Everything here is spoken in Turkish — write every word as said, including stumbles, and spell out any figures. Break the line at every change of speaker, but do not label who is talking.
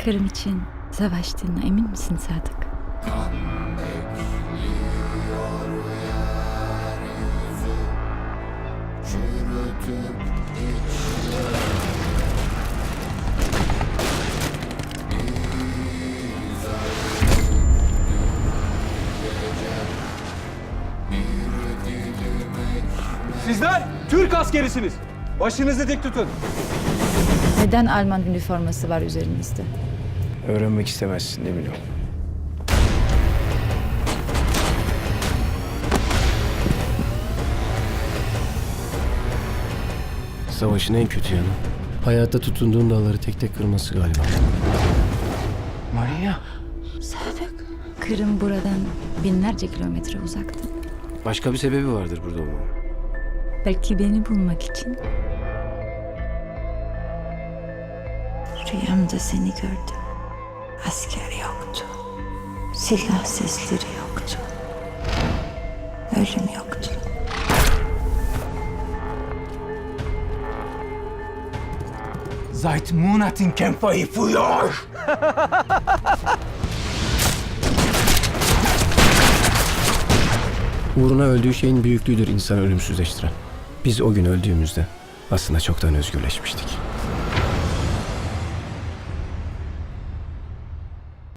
Kırım için savaştığına emin misin Sadık?
Sizler Türk askerisiniz. Başınızı dik tutun.
Neden Alman üniforması var üzerinizde?
Öğrenmek istemezsin emin ol. Savaşın en kötü yanı hayatta tutunduğun dağları tek tek kırması galiba. Maria.
Sadık. Kırım buradan binlerce kilometre uzakta.
Başka bir sebebi vardır burada olmamın.
Belki beni bulmak için. Rüyamda seni gördüm. Asker yoktu. Silah sesleri yoktu. Ölüm yoktu.
Seit Monaten kämpfe ich für euch.
Uğruna öldüğü şeyin büyüklüğüdür insanı ölümsüzleştiren. Biz o gün öldüğümüzde aslında çoktan özgürleşmiştik.